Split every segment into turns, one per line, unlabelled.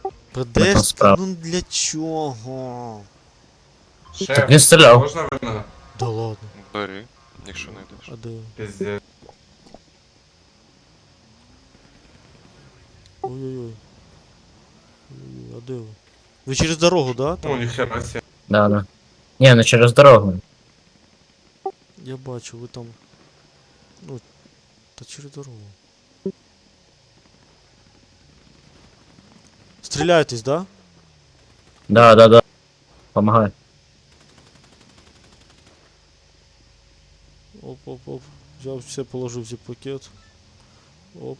Подожди,
справа.
ну для чого?
Так він
Шеф,
стріляв.
можна вина?
Да ладно.
Бери, якщо знайдеш.
А де?
Пиздец.
Ой-ой-ой. Ой-ой, а де ви? Ви через дорогу, да?
Ну,
Там?
ніхера себе.
Да, да. Ні, не через дорогу.
Я бачу, ви там. Ну, та через дорогу. Стріляєтесь, да?
Да, да, да. Помагай.
Оп. Взяв все, положив в зіп-пакет. Оп.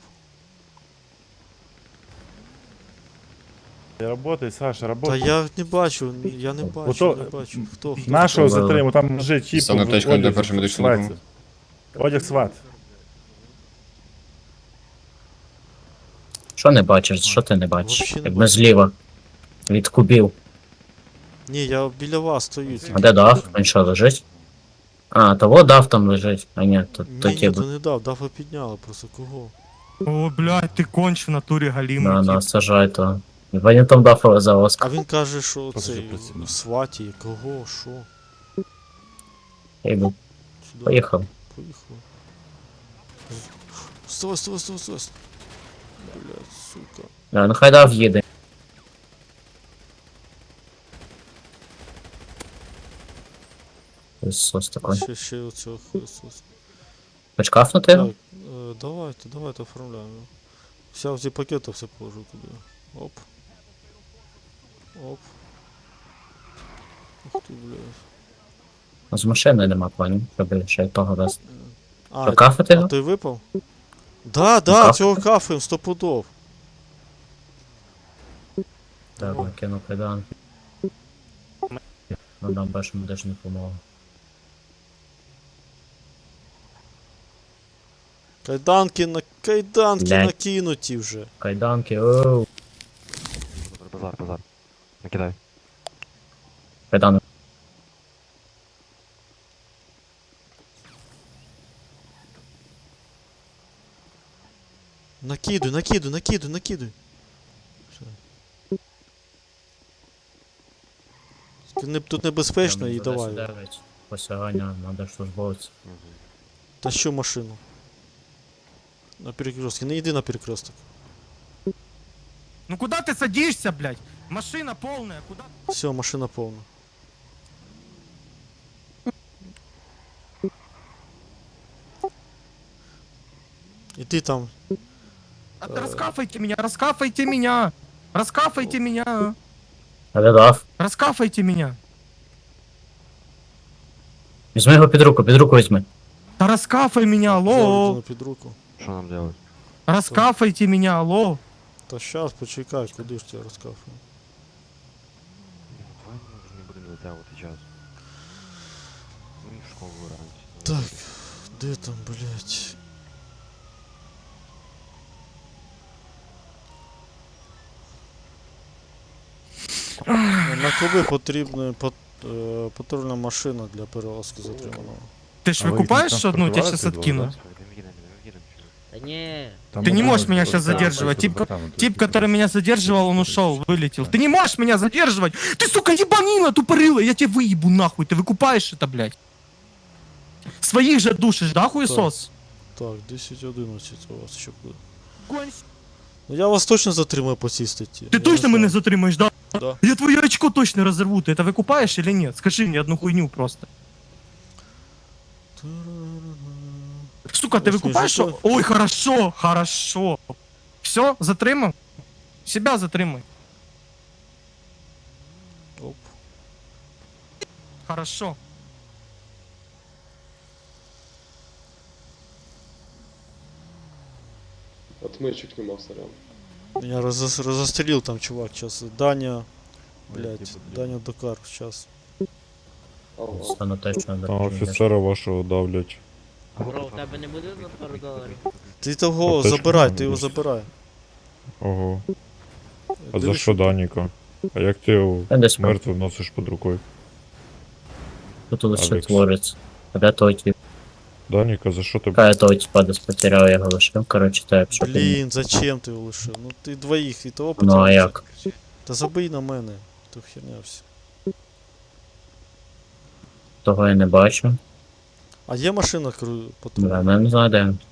Работай, Саша,
Та
работай.
я не бачу, я не бачу,
Ото-
не бачу. Хто?
Нашого
Добре.
затриму, там вже чіп.
Стане аптечкою для першої медичної допомоги.
Одяг сват.
Що не бачиш? Що ти не бачиш?
Вообще не
Якби
бачу.
зліва. Від кубів.
Ні, я біля вас стою.
А де дав? Він що, лежить? А, того дав там лежить. А ні, то
Ні,
ті
то не дав, дафа підняла, просто кого?
О, блядь, ты конч в натуре галимый.
Да, сажай то. Вони там дафа за
А
Оскар.
він каже, що
Просто
цей
працює.
в сваті, кого, що?
Я йду.
Сюди.
Поїхав.
Поїхав. Стой. Блядь, сука.
Да, ну хай дав їде. Сос такой.
Ще оцього Христос.
Почкафнути
Так,
його?
давайте оформляємо. Взяв зі пакета, все положу туди. Оп. Ух ти, блядь.
З машини нема планів, щоб ще й того дасть.
А,
Що, кафати
а
його?
той випав? Да,
кафе?
цього кафаємо, 100 пудов.
Так, накину кайдан. Надам першу медичну допомогу.
Кайданки
Блядь.
накинуті вже.
Кайданки, оу.
Базар. Накидай.
Кайдани.
Накидуй. Все. Тут небезпечно і давай.
Посягання, надо службовця.
Та що машину? На перекрестке. Не йди на перекресток.
Ну куда ты садишься, блядь? Машина полная, куда?
Все, машина повна. І ти там.
Раскафайте меня, раскафайте меня! Раскафайте меня!
А де дав?
Раскафайте меня!
Візьми його під руку візьми.
Да раскафай меня,
Взяв людину
алло!
під руку.
Що нам делать?
Раскафайте меня, алло!
Та щас, почекай, куди ж тебе розкафую.
Давай ми вже не будемо затягувати час. Ми в школу вранці.
Так, де там, блядь? На коли потрібна патрульна машина для перевозки затриманого?
Ты ж
А вы их не
выкупаешь одну, тебя сейчас
транспортировали,
откину.
Да не,
Ты не можешь меня сейчас задерживать. Тип, который меня задерживал, он ушел, вылетел. Ты не можешь меня задерживать! Ты, сука, ебанина тупорылая! Я тебя выебу нахуй, ты выкупаешь это, блядь? Своих же душишь, да, хуесос?
Так, 10-11 у вас ще буде.
Конь.
Ну я вас точно затримаю по цій статті.
Ты точно меня затримаешь, да?
Да.
Я твое очко точно разорву, ты это выкупаешь или нет? Скажи мне одну хуйню просто. Сука, ты
Ось
выкупаешь?
мужик.
Ой, хорошо. Все, затримав? Себя затримай.
Оп.
Хорошо.
Отмычек нема, сорян.
Я розострілив там чувак сейчас. Даня. Блять, Даня Докар сейчас.
Ага.
Стану точно
Там
до
офіцера вашого давлять.
бро, у тебе не буде на пару доларів?
Ти того
Аптечку
забирай,
надо
ти його
десь.
забирай.
Ого. А за
Дивись,
що Даніка? А як ти його
Я десь
мертвим носиш під рукою?
тут лише
Алекс.
твориться. А де той тип?
Даніка, за що ти
Кая того типа десь потеряв, я його лишив, коротше, так, щоб він-
Блін, зачем ти його лишив? Ну ти двоїх і того
Ну а
потерявся.
як?
Та забий на мене, то херня все.
Того я не бачу.
А є машина патрульна?
Да, ну, я не знаю, де він.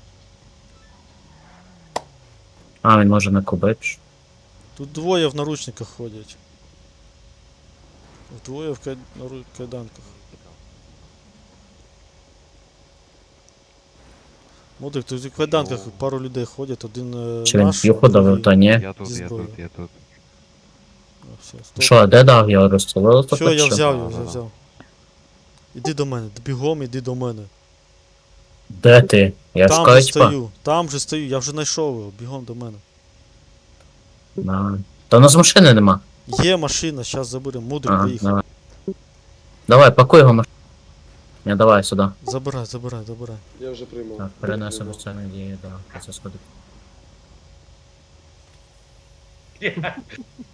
А, він може на кубич.
Тут двоє в наручниках ходять. Двоє в кайданках. Модик, тут в кайданках пару людей ходять, один
Чи він
наш.
п'юху давив,
другий-
то ні.
Я тут,
Зі
я
зброєю.
тут, я тут.
А, все, стоп.
Що, а де дав? Його розстрілили? то
Все, я
хоч що?
взяв його,
Да-да-да.
взяв. Іди до мене, бігом іди до мене.
Де ти? Я
Там
шукаю,
же
типа.
стою, там же стою, я вже знайшов його, бігом до мене.
Да. Та у нас машини нема.
Є машина, зараз заберемо, мудрик
Ага,
приїхав.
давай. Давай, пакуй його машину. Не, давай сюди.
Забирай, забирай, забирай.
Я вже приймав.
Так, перенесемо це надії, да, це сходить.